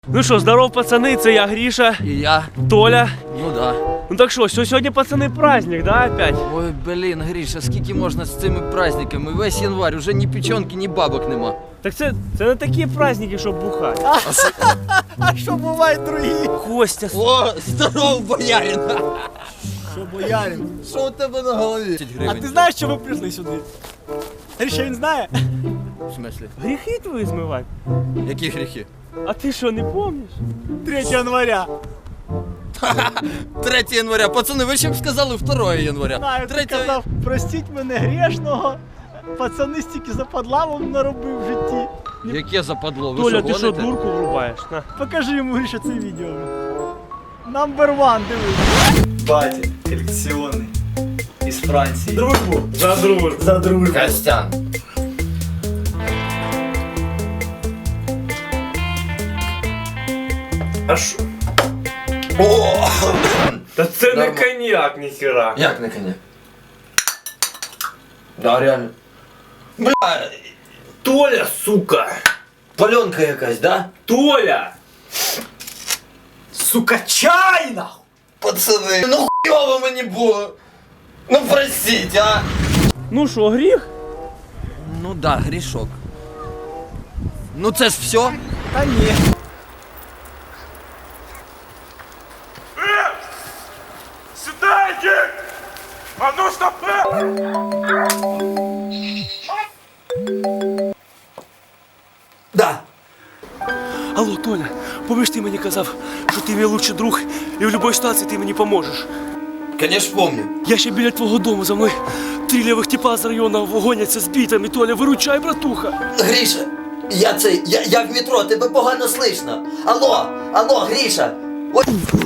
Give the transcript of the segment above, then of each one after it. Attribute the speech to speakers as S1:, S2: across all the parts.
S1: Ну що, здоров, пацани, це я, Гріша.
S2: І я.
S1: Толя.
S2: Ну да.
S1: Ну так що, сьогодні, пацани, праздник, да, опять?
S2: Ой, блін, Гріша, скільки можна з цими праздниками? Весь январь, уже ні печенки, ні бабок нема.
S1: Так це не такі праздники, щоб бухати.
S3: А що бувають другі?
S1: Костя.
S2: О, здоров, боярин!
S3: Що боярин?
S2: Що у тебе на голові?
S3: А ти знаєш, що ми прийшли сюди? Гріша, він знає?
S2: В смислі?
S1: Гріхи твої змивати?
S2: Які гріхи?
S1: А ти що, не пам'ятаєш?
S3: 3 января.
S2: 3 января. Пацани, ви ще б сказали 2 января.
S3: Знаю, ти казав, простіть мене грішного. Пацани стільки западла вам наробив в житті.
S2: Яке западло? Ви
S1: Толя, ти що,
S2: гоните?
S1: дурку врубаєш? На.
S3: Покажи йому, Гріша, це відео. Number 1, дивись.
S4: Батя колекционный из Франции.
S3: Дружбу.
S1: За дружбу.
S3: За дружбу.
S2: Костян.
S1: А що?
S2: О!
S1: Та це не
S2: Нормально.
S1: коньяк, ніхера.
S2: Як на коня? Да, реально. Бля,
S1: Толя, сука!
S2: паленка якась, да?
S1: Толя!
S3: Сука, чай, нахуй!
S2: Пацани, ну хуйово мені було. Ну простіть, а?
S1: Ну що, гріх?
S2: Ну да, грішок. Ну це ж все.
S3: Та ні.
S5: Сідайте! А ну стопи!
S2: Да.
S1: Алло, Толя, помниш, ти мені казав, що ти мій лучший друг і в будь-якій ситуації ти мені поможеш.
S2: Конечно, помню.
S1: Я ще біля твого дому, за мною 3 лівих типа з району гоняться з бітами. Толя, виручай, братуха.
S6: Гріша, я в метро, тебе погано слышно. Алло, Гріша. Ой.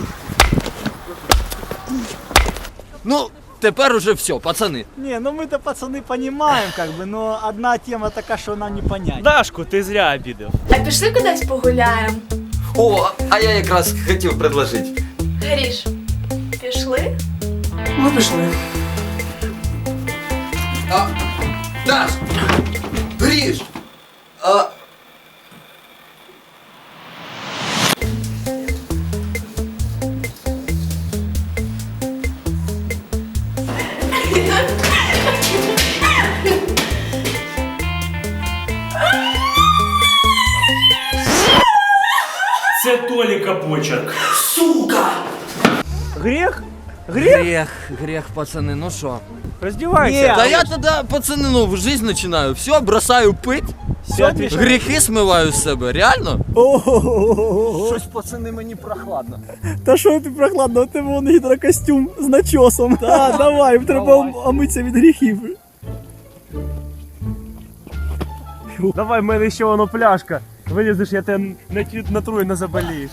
S2: Ну, тепер уже все, пацани.
S3: Не, ну мы-то, пацаны, понимаем, как бы, но одна тема така, що нам не понять.
S1: Дашку, ти зря обідав.
S7: А пішли кудись погуляємо?
S2: О, а я якраз хотів предложити.
S7: Гріш, пішли?
S3: Ну, пішли.
S2: А, Даш! Гріш! А...
S1: Це Толіка почерк.
S6: Сука!
S1: Гріх? Гріх?
S2: Грех, пацани, ну що?
S1: Роздівайся.
S2: Да я тогда, пацаны, ну, жизнь начинаю. Все, бросаю пить,
S1: Сядь,
S2: гріхи смиваю з себе. Реально?
S3: Ого.
S2: Щось, пацани, мені прохладно.
S3: Та що ти прохладно, у тебе вон гідрокостюм з начосом. Так, давай, треба омитися від гріхів.
S1: Давай, в мене ще воно пляшка. Вилізеш, я тебе натру і не заболієш.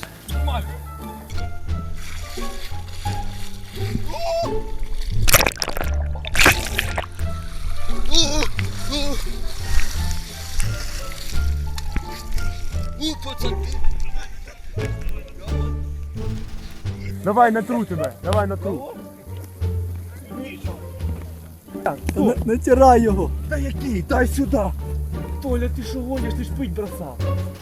S1: Давай, натру тебе, давай натру.
S3: Натирай його.
S1: Та який? Дай сюди. Толя, ти що гониш? Ти ж пить бросав.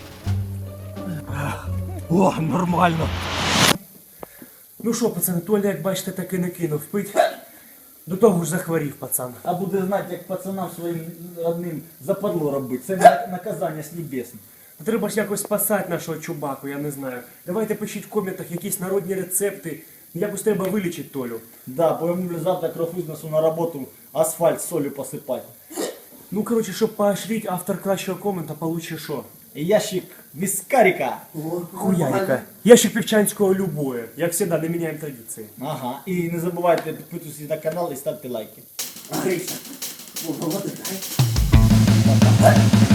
S3: О, нормально.
S1: Ну що, пацани, Толя, як бачите, так і не кинув пить. До того ж захворів, пацан.
S3: А буде знати, як пацанам своїм родним западло робити. Це наказання з небесних.
S1: Треба ж якось спасати нашого чубаку, я не знаю. Давайте пишіть в коментах якісь народні рецепти. Якось треба вилічити Толю.
S3: Да, бо йому завтра кров із носу на роботу асфальт солью посипати.
S1: Ну, коротше, щоб поощрити, автор кращого комента получить що?
S3: Ящик вискарика.
S1: Хуярика. Ящик півчанського любое. Як завжди, не міняємо традиції.
S3: Ага. І не забувайте підписуватися на канал і ставте лайки.
S6: Гріша.